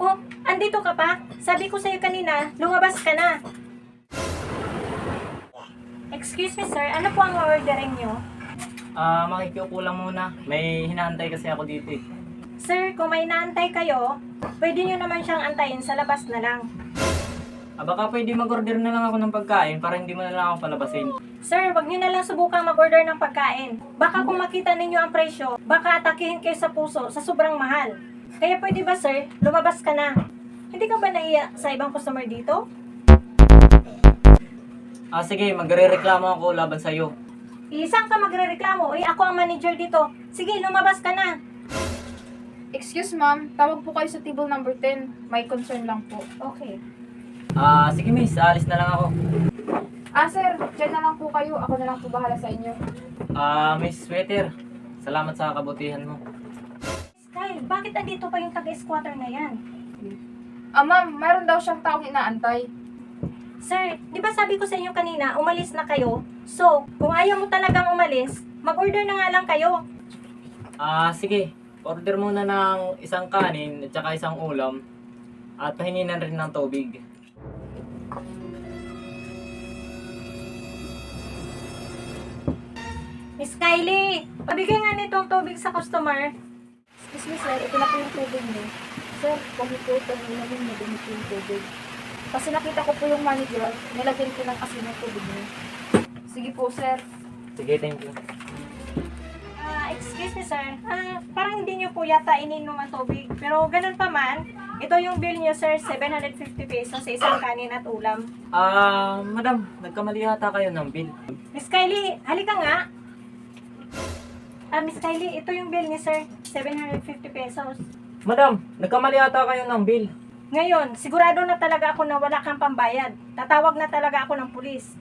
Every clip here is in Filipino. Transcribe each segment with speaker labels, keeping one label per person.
Speaker 1: Oh, andito ka pa? Sabi ko sa'yo kanina, lumabas ka na. Excuse me sir, ano po ang ordering nyo?
Speaker 2: Makikiupo lang muna. May hinaantay kasi ako dito eh.
Speaker 1: Sir, kung may naantay kayo, pwede nyo naman siyang antayin sa labas na lang.
Speaker 2: Baka pwede mag-order na lang ako ng pagkain para hindi mo na lang ako palabasin.
Speaker 1: Sir, wag nyo na lang subukang mag-order ng pagkain. Baka kung makita ninyo ang presyo, baka atakihin kayo sa puso sa sobrang mahal. Kaya pwede ba sir, lumabas ka na. Hindi ka ba naiya sa ibang customer dito?
Speaker 2: Sige, magre-reklamo ako laban sa'yo.
Speaker 1: Isang ka magrereklamo, ako ang manager dito. Sige, lumabas ka na.
Speaker 3: Excuse ma'am, tawag po kayo sa table number 10. May concern lang po.
Speaker 1: Okay.
Speaker 2: Sige miss, alis na lang ako.
Speaker 3: Sir, dyan na lang po kayo. Ako na lang po bahala sa inyo.
Speaker 2: Miss Sweater, salamat sa kabutihan mo.
Speaker 1: Kyle, bakit andito pa yung taga-squatter na yan?
Speaker 3: Ma'am, mayroon daw siyang taong inaantay.
Speaker 1: Sir, di ba sabi ko sa inyo kanina, umalis na kayo? So, kung ayaw mo talagang umalis, mag-order na nga lang kayo.
Speaker 2: Sige, order muna ng isang kanin at saka isang ulam at pahinginan rin ng tubig.
Speaker 1: Miss Kylie, pabigay nga nitong tubig sa customer.
Speaker 3: Excuse me sir, ito na po yung tubig niyo. Sir, kung po ito nilagyan niyo din yung tubig. Kasi nakita ko po yung manager, nilagyan ko ng asin ng tubig niyo. Sige po sir.
Speaker 2: Sige, thank you.
Speaker 1: Excuse me sir, parang hindi nyo po yata ininom ang tubig. Pero ganun pa man, ito yung bill nyo sir, 750 pesos sa isang kanin at ulam.
Speaker 2: Madam, nagkamali yata kayo ng bill.
Speaker 1: Miss Kylie, halika nga. Miss Kylie, ito yung bill niya sir, 750 pesos.
Speaker 2: Madam, nagkamali yata kayo ng bill.
Speaker 1: Ngayon, sigurado na talaga ako na wala kang pambayad. Tatawag na talaga ako ng pulis.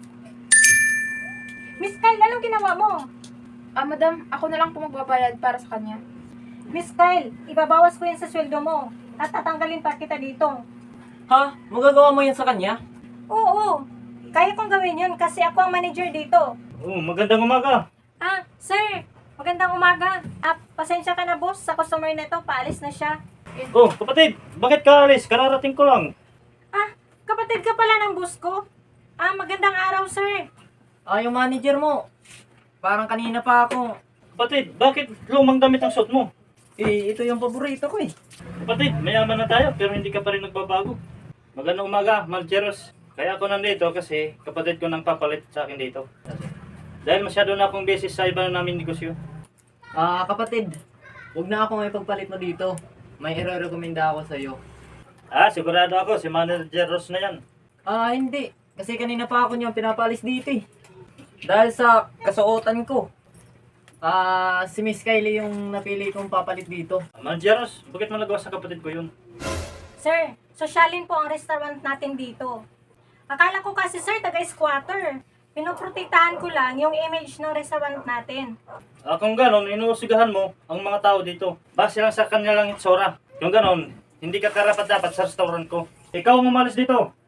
Speaker 1: Miss Kyle, anong ginawa mo?
Speaker 3: Madam, ako na lang po magbabayad para sa kanya.
Speaker 1: Miss Kyle, ibabawas ko yan sa sweldo mo at tatanggalin pa kita dito.
Speaker 2: Ha? Magagawa mo yan sa kanya?
Speaker 1: Oo, kaya kong gawin yun kasi ako ang manager dito.
Speaker 4: Magandang umaga.
Speaker 1: Sir, magandang umaga. Pasensya ka na boss, sa customer na to, paalis na siya.
Speaker 4: Kapatid, bakit ka alis? Kararating ko lang.
Speaker 1: Kapatid ka pala ng boss ko. Magandang araw sir.
Speaker 2: Yung manager mo. Parang kanina pa ako.
Speaker 4: Kapatid, bakit lumang damit ang suot mo?
Speaker 2: Ito yung paborito ko eh.
Speaker 4: Kapatid, mayaman na tayo pero hindi ka pa rin nagbabago. Magandang umaga, Maljeros. Kaya ako nandito kasi kapatid ko nang papalit sa akin dito. Dahil masyado na akong beses sa iba namin negosyo.
Speaker 2: Kapatid, huwag na ako may pagpalit mo dito. May i-recommenda ako sa'yo.
Speaker 4: Sigurado ako, si Manager Ross na yan.
Speaker 2: Hindi. Kasi kanina pa ako niyang pinapalis dito eh. Dahil sa kasuotan ko. Si Miss Kylie yung napili kong papalit dito.
Speaker 4: Manager Ross, bakit mo nagawa sa kapatid ko yun?
Speaker 1: Sir, sosyalin po ang restaurant natin dito. Akala ko kasi sir, taga-squatter. Pinoprotektahan ko lang yung image ng restaurant natin.
Speaker 4: Kung ganon, inuusigahan mo ang mga tao dito. Base lang sa kanilang itsura. Kung ganon, hindi ka karapat dapat sa restaurant ko. Ikaw ang umalis dito.